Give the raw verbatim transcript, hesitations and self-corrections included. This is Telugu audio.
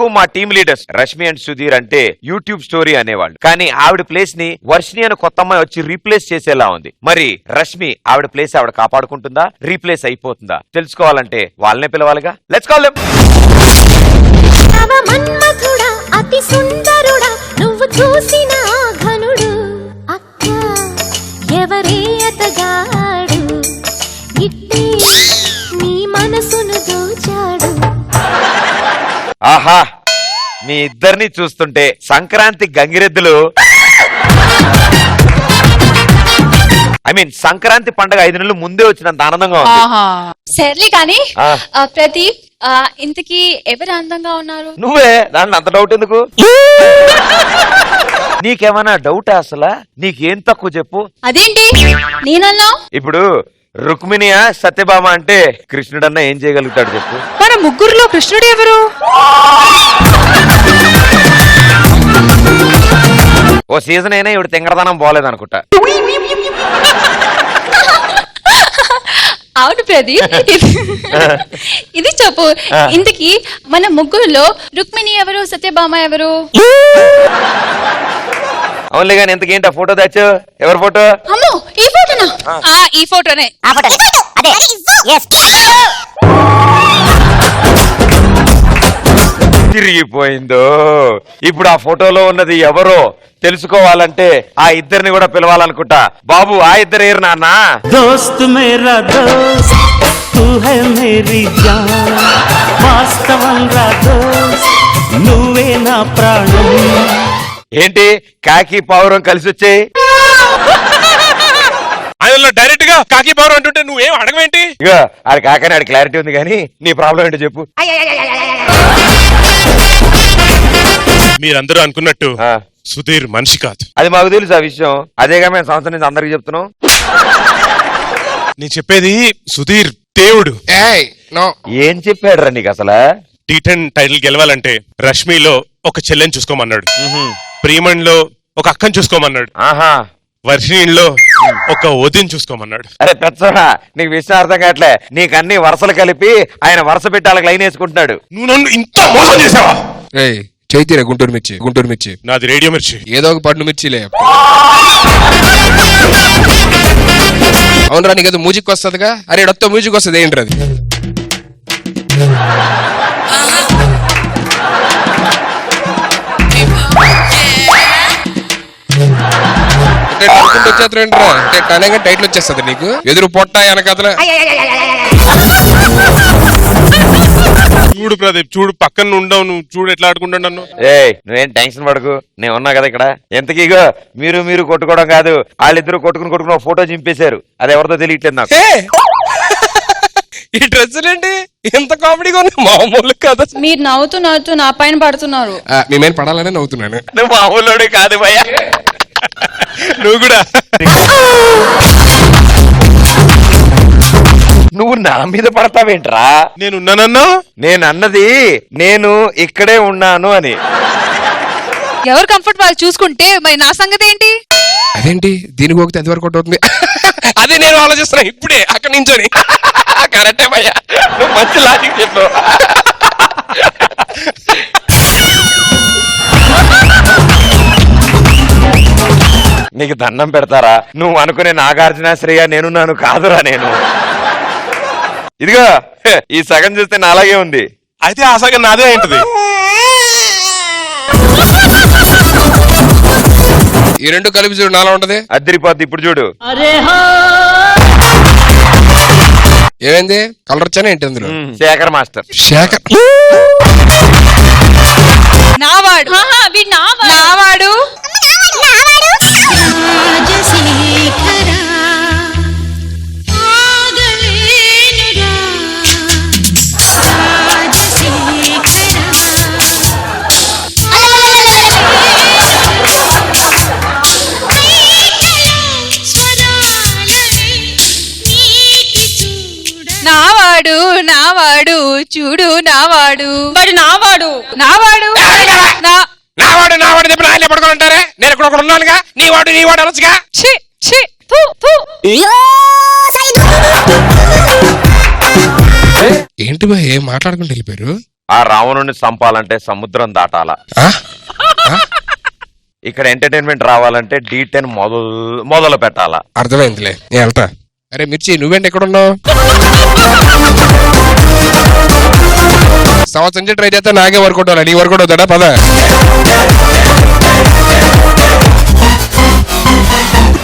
మా team leaders Rashmi and Sudheer అంటే యూట్యూబ్ స్టోరీ అనేవాళ్ళు. కానీ ఆవిడ ప్లేస్ ని వర్షిని అని కొత్త అమ్మాయి వచ్చి రీప్లేస్ చేసేలా ఉంది. మరి రష్మి ఆవిడ ప్లేస్ ఆవిడ కాపాడుకుంటుందా, రీప్లేస్ అయిపోతుందా? తెలుసుకోవాలంటే వాళ్ళనే పిలవాలిగా. Let's call them. అతి సుందరుడా నువ్వు చూసిన ఘనుడు అక్క ఎవరే అతగాడు ఇట్టే నీ మనసును దోచాడు. ఆహా, మీ ఇద్దరిని చూస్తుంటే సంక్రాంతి గంగిరెద్దులు ఐ మీన్ సంక్రాంతి పండుగ ఐదు నెలలు ముందే వచ్చినంత ఆనందంగా ఉంది. సర్లే కానీ ప్రదీప్, ఇంతకీ ఎవరు అందంగా ఉన్నారు? నువ్వే. దాంట్లో అంత డౌట్ ఎందుకు? నీకేమైనా డౌట్ అసలు? నీకేం తక్కువ చెప్పు. అదేంటి నేనన్నా? ఇప్పుడు రుక్మిణియా సత్యభామ అంటే కృష్ణుడన్నా ఏం చేయగలుగుతాడు చెప్పు. మన ముగ్గురులో కృష్ణుడు ఎవరు? ఓ సీజన్ అయినా ఇవిడ తింగరదనం పోలేదనుకుంటా. అవును ప్రదీప్, ఇది చెప్పు, ఇంతకీ మన ముగ్గురులో రుక్మిణి ఎవరు, సత్యభామ ఎవరు? అవునులే గాని ఇంతకేంటి ఆ ఫోటో తెచ్చు? ఎవరి ఫోటో? అమ్మో, ఈ ఫోటోనా? ఈ ఫోటోనే. తిరిగిపోయిందో. ఇప్పుడు ఆ ఫోటోలో ఉన్నది ఎవరో తెలుసుకోవాలంటే ఆ ఇద్దరిని కూడా పిలవాలనుకుంటా. బాబు, ఆ ఇద్దరు ఏరు నాన్న. దోస్త్ మేరా దోస్త్ తూ హై మేరీ జాన్, వాస్తవం రా దోస్త్ నువ్వే నా ప్రాణం. ఏంటి కాకి పావురం కలిసి వచ్చాయి? ఆయన డైరెక్ట్ గా కాకి పవర్ అంటుంటే నువ్వేం అడగవేంటి? ఇగో ఆడి కాకని ఆడి క్లారిటీ ఉంది కానీ నీ ప్రాబ్లం ఏంటో చెప్పు. మీరందరూ అనుకున్నట్టు సుధీర్ మనిషి కాదు. అది మాకు తెలుసు ఆ విషయం. అదేగా మేము సంవత్సరం నుంచి అందరికి చెప్తున్నాం. నేను చెప్పేది సుధీర్ దేవుడు. ఏం చెప్పాడు రా నీకు అసలు? టీ టెన్ టైటిల్ గెలవాలంటే రష్మిలో ఒక చెల్లెని చూసుకోమన్నాడు, ప్రియమణిలో ఒక అక్కని చూసుకోమన్నాడు, ఆహా వర్షిణిలో ఒక వదిని చూసుకోమన్నాడు. అరే పెచ్చోడా, నీకు విషయం అర్థం కావట్లే. నీకు అన్ని వరుసలు కలిపి ఆయన వరుస పెట్టి వాళ్ళకి లైన్ వేసుకుంటున్నాడు. నువ్వు నన్ను ఇంత మోసం చేసావా? చైతీరా గుంటూరు మిర్చి. గుంటూరు మిర్చి నాది రేడియో మిర్చి. ఏదో ఒక పండు మిర్చిలే. అవునరా, నీకు మ్యూజిక్ వస్తుందిగా. అరే డొత్త మ్యూజిక్ వస్తుంది ఏంటి అది? వచ్చేస్తారా అంటే అనగా టైటిల్ వచ్చేస్తుంది నీకు. ఎదురు పొట్ట వెనకదల. చూడు ప్రదీప్, చూడు పక్కన ఉండవు, నువ్వు చూడు ఎట్లా ఆడుకుంటాను నన్ను. ఏ నువ్వేం టెన్షన్ పడకు, నేను ఉన్నా కదా ఇక్కడ. ఎంతకీగో మీరు మీరు కొట్టుకోవడం కాదు, వాళ్ళిద్దరు కొట్టుకుని కొట్టుకుని ఒక ఫోటో చింపేశారు. అది ఎవరితో తెలియట్లేదు నాకు. ఈ డ్రెస్సులేంటి ఎంత కామెడీగా ఉంది? మామూలు కదా. మీరు నవ్వుతూ నవ్వుతూ నా పైన పడుతున్నారు. మేమేం పడాలనే నవ్వుతున్నాను. నువ్వు మామూలు కాదు భయ్యా. నువ్వు కూడా నువ్వు నా మీద పడతావేంట్రా? నేనున్నానన్నా? నేను అన్నది నేను ఇక్కడే ఉన్నాను అని. ఎవరు కంఫర్ట్ వాళ్ళు చూసుకుంటే మరి నా సంగతి ఏంటి? అదేంటి దీనికి పోతే అది వరకు అవుతుంది. అదే నేను ఆలోచిస్తున్నా ఇప్పుడే అక్కడి నుంచోని. కరెక్టే భయ్యా, నువ్వు మంచి లాజిక్ చెప్పు. నీకు దండం పెడతారా? నువ్వు అనుకునే నాగార్జున శ్రేయ నేనున్నాను కాదురా నేను. ఇదిగో ఈ సగం చూస్తే నా అలాగే ఉంది. అయితే ఆ సగం నాదే ఏంటిది? ఈ రెండు కలిపి చూడు నాలా ఉంటది. అద్దరిపోద్ది. ఇప్పుడు చూడు. ఏమైంది? కలర్ వచ్చానే ఏంటి అందులో? శేఖర్ మాస్టర్. శేఖర్ నావాడు నావాడు నావాడు నావాడు చూడు నావాడు వాడు నావాడు నావాడు నావాడు నావాడు చెప్పిన ఆయన పడుకోంటారే. నేను ఇక్కడ ఒకడు ఉన్నానుగా. నీ వాడు నీ వాడు అనొచ్చుగా. ఏంటి బా ఏం మాట్లాడుకుంటూ వెళ్ళిపోయారు? ఆ రావణుని చంపాలంటే సముద్రం దాటాల. ఆ? ఇక్కడ ఎంటర్టైన్మెంట్ రావాలంటే డీ టెన్ మొదలు మొదలు పెట్టాలా. అర్థమైందిలే, నేను వెళ్తా. అరే మిర్చి, నువ్వేంటి ఎక్కడున్నావు? సంవత్సరం నుంచి ట్రై చేస్తా, నాకే వర్కౌట్ అవ్వాలి, నీ వర్కౌట్ అవుతాడా? పద.